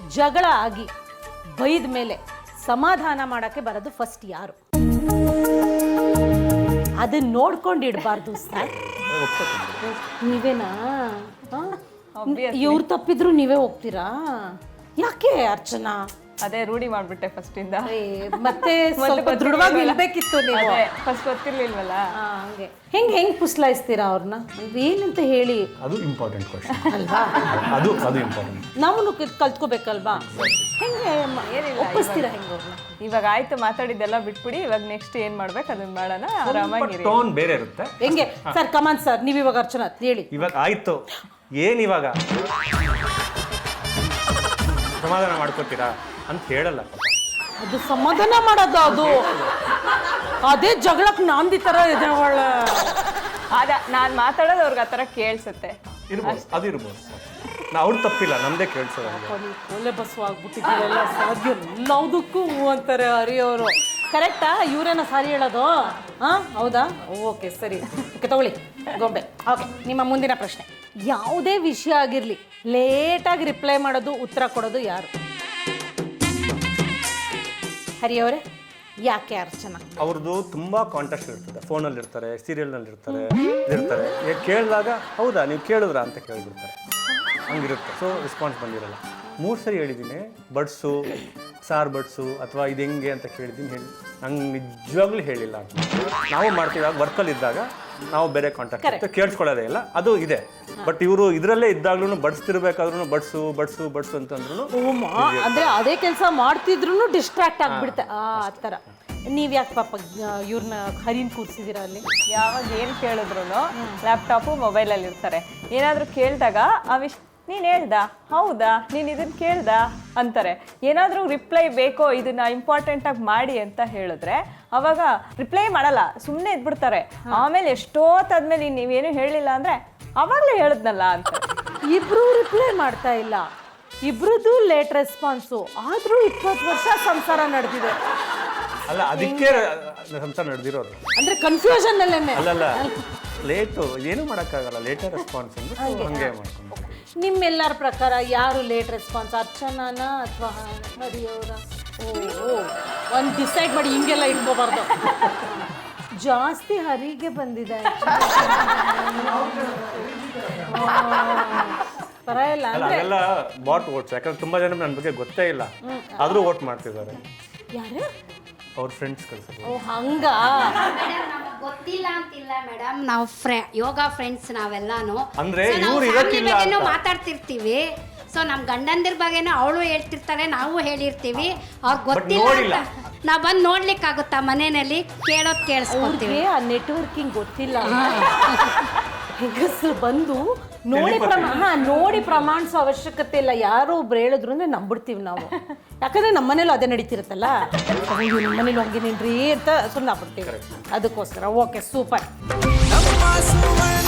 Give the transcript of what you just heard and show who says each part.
Speaker 1: ಜಗಳ ಆಗಿ ಬೈದ ಮೇಲೆ ಸಮಾಧಾನ ಮಾಡಕ್ಕೆ ಬರೋದು ಫಸ್ಟ್ ಯಾರು? ಅದನ್ನ ನೋಡ್ಕೊಂಡು ಇಡಬಾರ್ದು ಸರ್. ನೀವೇನಾ? ಇವ್ರು ತಪ್ಪಿದ್ರು ನೀವೇ ಹೋಗ್ತೀರಾ? ಯಾಕೆ ಅರ್ಚನಾ?
Speaker 2: ಅದೇ ರೂಢಿ ಮಾಡ್ಬಿಟ್ಟೆ ಫಸ್ಟ್ ಇಂದ.
Speaker 1: ಮತ್ತೆ ಸ್ವಲ್ಪ ದೃಢವಾಗಿ ನಿಲ್ಬೇಕಿತ್ತು ನೀವು.
Speaker 2: ಫಸ್ಟ್ ಗೊತ್ತಿರ್ಲಿಲ್ವಲ್ಲ.
Speaker 1: ಹಂಗೆ ಹೆಂಗ್ ಪುಸ್ಲಾಯಿಸ್ತೀರಾ ಅವ್ರನ್ನ? ಏನಂತ ಹೇಳಿ.
Speaker 3: ಅದು ಇಂಪಾರ್ಟೆಂಟ್ ಕ್ವಶನ್
Speaker 1: ಅಲ್ವಾ?
Speaker 3: ಅದು ಇಂಪಾರ್ಟೆಂಟ್.
Speaker 1: ನಾವು ಕಲ್ತ್ಕೋಬೇಕಲ್ವಾ? ಹೆಂಗೆ ಒಪ್ಪಿಸ್ತೀರಾ ಹೆಂಗೆ ಅವ್ರನ್ನ?
Speaker 2: ಇವಾಗ ಆಯ್ತು ಮಾತಾಡಿದ್ದೆಲ್ಲ ಬಿಟ್ಬಿಡಿ, ಇವಾಗ ನೆಕ್ಸ್ಟ್ ಏನ್ ಮಾಡ್ಬೇಕು ಅದನ್ನ ಮಾಡೋಣ, ಆರಾಮಾಗಿರಿ.
Speaker 3: ಟೋನ್ ಬೇರೆ ಇರುತ್ತೆ.
Speaker 1: ಹೆಂಗೆ ಸರ್? ಕಮಾನ್ ಸರ್, ನೀವ್ ಇವಾಗ ಅರ್ಚನಾ ಹೇಳಿ.
Speaker 3: ಇವಾಗ ಆಯ್ತು, ಏನ್ ಇವಾಗ ಸಮಾಧಾನ ಮಾಡ್ಕೋತೀರಾ ಅಂತ ಹೇಳಲ್ಲ.
Speaker 1: ಅದು ಸಮಾಧಾನ ಮಾಡೋದು, ಅದು ಅದೇ ಜಗಳಕ್ಕೆ ನಾಂದಿ ತರ ಇದೆ.
Speaker 2: ನಾನ್ ಮಾತಾಡೋದು ಅವ್ರಿಗೆ ಆತರ ಕೇಳ್ಸುತ್ತೆ.
Speaker 3: ಅದು ಇರ್ಬೋದು. ಅವ್ರು ತಪ್ಪಿಲ್ಲ, ನಮ್ದೇ ಕೇಳ್ಸೋದು.
Speaker 1: ಕೊಲೆ ಬಸ್ಸು ಆಗ್ಬಿಟ್ಟಿದ್ದೀರಲ್ಲ, ಸಾಧ್ಯ ಎಲ್ಲದಕ್ಕೂ ಅಂತಾರೆ ಹರಿಯವರು. ಕರೆಕ್ಟಾ? ಇವರೇನ ಸಾರಿ ಹೇಳೋದು? ಹೌದಾ? ಓಕೆ ಸರಿ, ಓಕೆ ತಗೊಳ್ಳಿ ಗೊಂಬೆ. ಓಕೆ, ನಿಮ್ಮ ಮುಂದಿನ ಪ್ರಶ್ನೆ. ಯಾವುದೇ ವಿಷಯ ಆಗಿರಲಿ ಲೇಟಾಗಿ ರಿಪ್ಲೈ ಮಾಡೋದು, ಉತ್ತರ ಕೊಡೋದು ಯಾರು? ಹರಿಯವರೇ, ಯಾಕೆ ಅರ್ಚನಾ?
Speaker 3: ಅವ್ರದ್ದು ತುಂಬಾ ಕಾಂಟ್ಯಾಕ್ಟ್ ಇರ್ತದೆ. ಫೋನಲ್ಲಿ ಇರ್ತಾರೆ, ಸೀರಿಯಲ್ನಲ್ಲಿ ಇರ್ತಾರೆ. ಕೇಳಿದಾಗ ಹೌದಾ ನೀವು ಕೇಳಿದ್ರಾ ಅಂತ ಕೇಳಿಬಿಡ್ತಾರೆ. ಹಂಗಿರುತ್ತೆ. ಸೊ ರೆಸ್ಪಾನ್ಸ್ ಬಂದಿರಲ್ಲ. 3 ಸರಿ ಹೇಳಿದ್ದೀನಿ ಬಡ್ಸು, ಸಾರು ಬಡ್ಸು ಅಥವಾ ಇದು ಹೆಂಗೆ ಅಂತ ಕೇಳಿದ್ದೀನಿ. ನಂಗೆ ನಿಜವಾಗ್ಲೂ ಹೇಳಿಲ್ಲ ಅಂತ. ನಾವು ಮಾಡ್ತೀವಿ ವರ್ಕಲ್ಲಿ ಇದ್ದಾಗ ನಾವು ಬೇರೆ ಕಾಂಟ್ಯಾಕ್ಟ್ ಕೇಳಿಸ್ಕೊಳ್ಳೋದೇ ಇಲ್ಲ, ಅದು ಇದೆ. ಬಟ್ ಇವರು ಇದರಲ್ಲೇ ಇದ್ದಾಗ್ಲೂ ಬಡಿಸ್ತಿರ್ಬೇಕಾದ್ರೂ ಬಡ್ಸು ಬಡ್ಸು ಬಡ್ಸು ಅಂತಂದ್ರು
Speaker 1: ಅಂದ್ರೆ ಅದೇ ಕೆಲಸ ಮಾಡ್ತಿದ್ರು ಡಿಸ್ಟ್ರಾಕ್ಟ್ ಆಗ್ಬಿಡುತ್ತೆ ಆ ಥರ. ನೀವ್ ಯಾಕೆ ಪಾಪ ಇವ್ರನ್ನ ಹರಿನ್ ಕೂರ್ಸಿದೀರ ಅಲ್ಲಿ?
Speaker 2: ಯಾವಾಗ ಏನು ಕೇಳಿದ್ರು ಲ್ಯಾಪ್ಟಾಪು ಮೊಬೈಲಲ್ಲಿ ಇರ್ತಾರೆ. ಏನಾದರೂ ಕೇಳಿದಾಗ ನೀನು ಹೇಳ್ದ, ಹೌದಾ ನೀನು ಇದನ್ನು ಕೇಳ್ದ ಅಂತಾರೆ. ಏನಾದರೂ ರಿಪ್ಲೈ ಬೇಕೋ, ಇದನ್ನ ಇಂಪಾರ್ಟೆಂಟಾಗಿ ಮಾಡಿ ಅಂತ ಹೇಳಿದ್ರೆ ಅವಾಗ ರಿಪ್ಲೈ ಮಾಡಲ್ಲ, ಸುಮ್ಮನೆ ಇದ್ಬಿಡ್ತಾರೆ. ಆಮೇಲೆ ಎಷ್ಟೊತ್ತಾದ್ಮೇಲೆ ನೀವೇನು ಹೇಳಿಲ್ಲ ಅಂದರೆ ಅವಾಗಲೇ ಹೇಳಿದ್ನಲ್ಲ ಅಂತ.
Speaker 1: ಇಬ್ರು ರಿಪ್ಲೈ ಮಾಡ್ತಾ ಇಲ್ಲ, ಇಬ್ರದ್ದು ಲೇಟ್ ರೆಸ್ಪಾನ್ಸು. ಆದರೂ 20 ವರ್ಷ ಸಂಸಾರ ನಡೆದಿದೆ.
Speaker 3: ಅಲ್ಲ, ಅದಕ್ಕೆ ಸಂಸಾರ ನಡೆದಿರೋದು.
Speaker 1: ಅಂದ್ರೆ ಕನ್ಫ್ಯೂಷನ್ ಅಲ್ಲೇನೆ.
Speaker 3: ಅಲ್ಲಲ್ಲ, ಲೇಟು ಏನು ಮಾಡೋಕ್ಕಾಗಲ್ಲ. ಲೇಟರ್ ರೆಸ್ಪಾನ್ಸ್ ಅಂದ್ರೆ ಹಂಗೆ ಮಾಡ್ಕೊಂಡು.
Speaker 1: ನಿಮ್ಮೆಲ್ಲರ ಪ್ರಕಾರ ಯಾರು ಲೇಟ್ ರೆಸ್ಪಾನ್ಸ್, ಅರ್ಚನಾನ ಅಥವಾ ಹರಿಯವರ? ಒಂದು ಡಿಸೈಡ್ ಮಾಡಿ, ಹಿಂಗೆಲ್ಲ ಇಟ್ಕೋಬಾರ್ದು. ಜಾಸ್ತಿ ಹರಿಗೆ ಬಂದಿದೆ. ಪರವಾಗಿಲ್ಲ
Speaker 3: ಅದೆಲ್ಲ ಬಾಟ್ ವೋಟ್ಸ್. ಯಾಕಂದ್ರೆ ತುಂಬಾ ಜನ ನನ್ನ ಬಗ್ಗೆ ಗೊತ್ತೇ ಇಲ್ಲ, ಆದ್ರೂ ವೋಟ್ ಮಾಡ್ತಿದ್ದಾರೆ.
Speaker 1: ಯಾರು?
Speaker 3: ಅವ್ರ ಫ್ರೆಂಡ್ಸ್ ಕಳ್ಸೋದು.
Speaker 1: ಓ ಹಂಗ?
Speaker 4: ಗೊತ್ತಿಲ್ಲ ಅಂತಿಲ್ಲ ಮೇಡಮ್, ನಾವು ಯೋಗ ಫ್ರೆಂಡ್ಸ್ ನಾವೆಲ್ಲಾನು.
Speaker 3: ಅಂದ್ರೆ
Speaker 4: ಬಗ್ಗೆನೂ ಮಾತಾಡ್ತಿರ್ತೀವಿ. ಸೊ ನಮ್ಮ ಗಂಡಂದಿರ ಬಗ್ಗೆನೂ ಅವಳು ಹೇಳ್ತಿರ್ತಾಳೆ, ನಾವು ಹೇಳಿರ್ತೀವಿ. ಅವ್ರಿಗೆ ಗೊತ್ತಿಲ್ಲ, ನಾವು ಬಂದು ನೋಡ್ಲಿಕ್ಕಾಗುತ್ತಾ ಮನೆಯಲ್ಲಿ? ಕೇಳೋದು ಕೇಳಿಸ್ಕೊತೀವಿ.
Speaker 1: ಆ ನೆಟ್ವರ್ಕಿಂಗ್ ಗೊತ್ತಿಲ್ಲ. ಹೆಂಗಸರು ಬಂದು ನೋಡಿ ಪ್ರಮಾಣಿಸೋ ಅವಶ್ಯಕತೆ ಇಲ್ಲ. ಯಾರೋ ಒಬ್ರು ಹೇಳಿದ್ರು ಅಂದ್ರೆ ನಂಬಿಡ್ತೀವಿ ನಾವು. ಯಾಕಂದ್ರೆ ನಮ್ಮ ಮನೇಲೂ ಅದೇ ನಡೀತಿರುತ್ತಲ್ಲ, ನಿಮ್ಮ ಮನೇಲಿ ಹಂಗೇನೇನ್ರಿ ಅಂತ ಸುಮ್ಮನೆ ಆಗ್ಬಿಡ್ತೀವಿ. ಅದಕ್ಕೋಸ್ಕರ ಓಕೆ, ಸೂಪರ್.